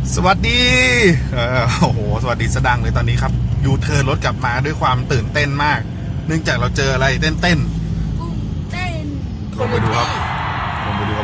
สวัสดีโอ้โหสวัสดีสดังเลยตอนนี้ครับยูเทิร์นรถกลับมาด้วยความตื่นเต้นมากเนื่องจากเราเจออะไรเต้นกุ้งเต้นลงไปดูครับลงไปดู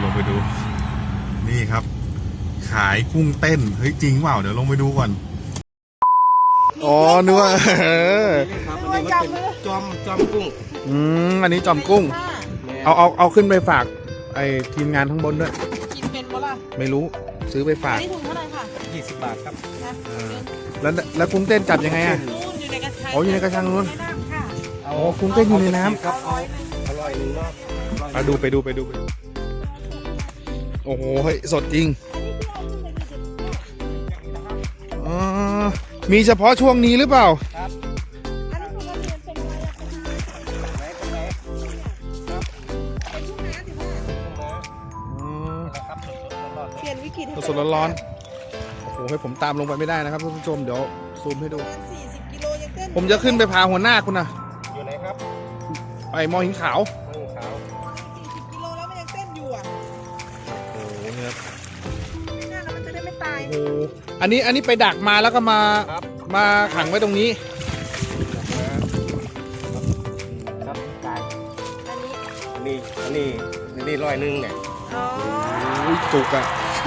นี่ครับขายกุ้งเต้นเฮ้ยจริงเปล่าเดี๋ยวลงไปดูก่อนอ๋อนึกว่าครับอันนี้มันเป็นจอมกุ้งอันนี้จอมกุ้งเอาขึ้นไปฝากไอทีมงานข้างบนด้วยกินเป็นปะล่ะไม่รู้ซื้อไปฝากนี่ถุงเท่าไหร่ค่ะ 20 บาทครับแล้วกุ้งเต้นจับยังไงอ่ะนู่นอยู่ในกระชังอยู่ในกระชังนู้นค่ะกุ้งเต้นอยู่ในน้ำครับอร่อยหนึ่งเนาะไปดูโอ้โหเฮ้ยสดจริงมีเฉพาะช่วงนี้หรือเปล่าครับเปลี่ยนวิกฤตสดร้อนโอ้โหให้ผมตามลงไปไม่ได้นะครับท่านผู้ชมเดี๋ยวซูมให้ดู 40 กิโลยังเต้นผมจะขึ้นไปพาหัวหน้าคุณนะอยู่ไหนครับไปมอหินขาว 40 กิโลแล้วมันยังเต้นอยู่อ่ะโอ้โหเนี่ยน่าแล้วมันจะได้ไม่ตายโอ้โหอันนี้ไปดักมาแล้วก็มาขังไว้ตรงนี้ครับตายอันนี้ร้อยหนึ่งเนี่ยอ๋อจุกอ่ะ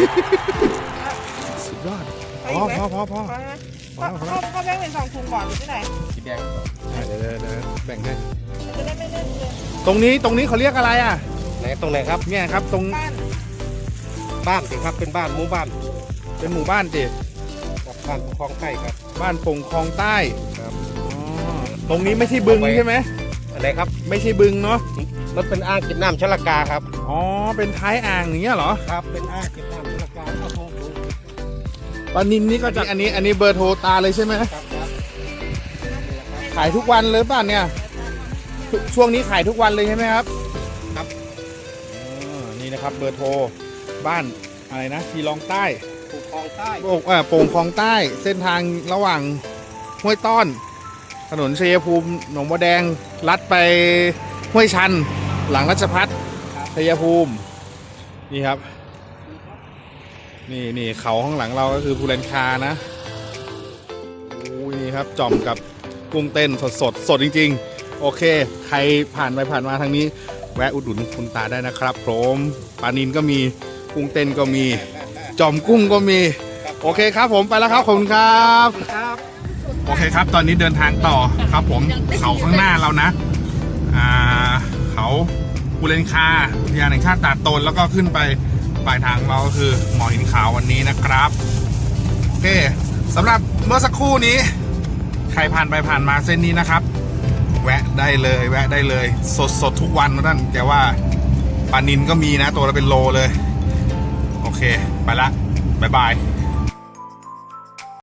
สุดยอดพอก็แบ่งเป็น2 ถุงก่อนหรือที่ไหนสีแดงเดี๋ยวแบ่งให้จะได้ไม่เล่นเลยตรงนี้เขาเรียกอะไรอ่ะไหนตรงไหนครับเนี่ยครับตรงบ้านสิครับเป็นบ้านหมู่บ้านเป็นหมู่บ้านสิบ้านปงคลองใต้ครับบ้านปงคลองใต้ครับตรงนี้ไม่ใช่บึงใช่ไหมอะไรครับไม่ใช่บึงเนาะมันเป็นอ่างเก็บน้ำชลกาครับอ๋อเป็นท้ายอ่างอย่างเงี้ยเหรอครับเป็นอ่างเก็บน้ำชลกาปลานินนี่ก็จากอันนี้เบอร์โทรตาเลยใช่ไหมครับขายทุกวันเลยป่ะเนี่ยช่วงนี้ขายทุกวันเลยใช่ไหมครับครับนี่นะครับเบอร์โทรบ้านอะไรนะทีรองใต้ปงคลองใต้โป่งคลองใต้เส้นทางระหว่างห้วยต้อนถนนชัยภูมิหนองบัวแดงลัดไปห้วยชันหลังราชพัฒชัยภูมินี่ครับนี่เขาข้างหลังเราก็คือภูเรนคานะนี่ครับจ่อมกับกุ้งเต้นสดจริงๆโอเคใครผ่านไปผ่านมาทางนี้แวะอุดหนุนคุณตาได้นะครับผมปลานินก็มีกุ้งเต้นก็มีจ่อมกุ้งก็มีโอเคครับผมไปแล้วครับขอบคุณครับโอเคครับตอนนี้เดินทางต่อครับผมเขาข้างหน้าเรานะเขาภูเรนคาอุทยานแห่งชาติตาดโตนแล้วก็ขึ้นไปปลายทางเราก็คือหมอหินขาววันนี้นะครับโอเคสำหรับเมื่อสักครู่นี้ใครผ่านไปผ่านมาเส้นนี้นะครับแวะได้เลยสดทุกวันนะท่านแต่ว่าปลานินก็มีนะตัวละเป็นโลเลยโอเคไปละบ๊ายบาย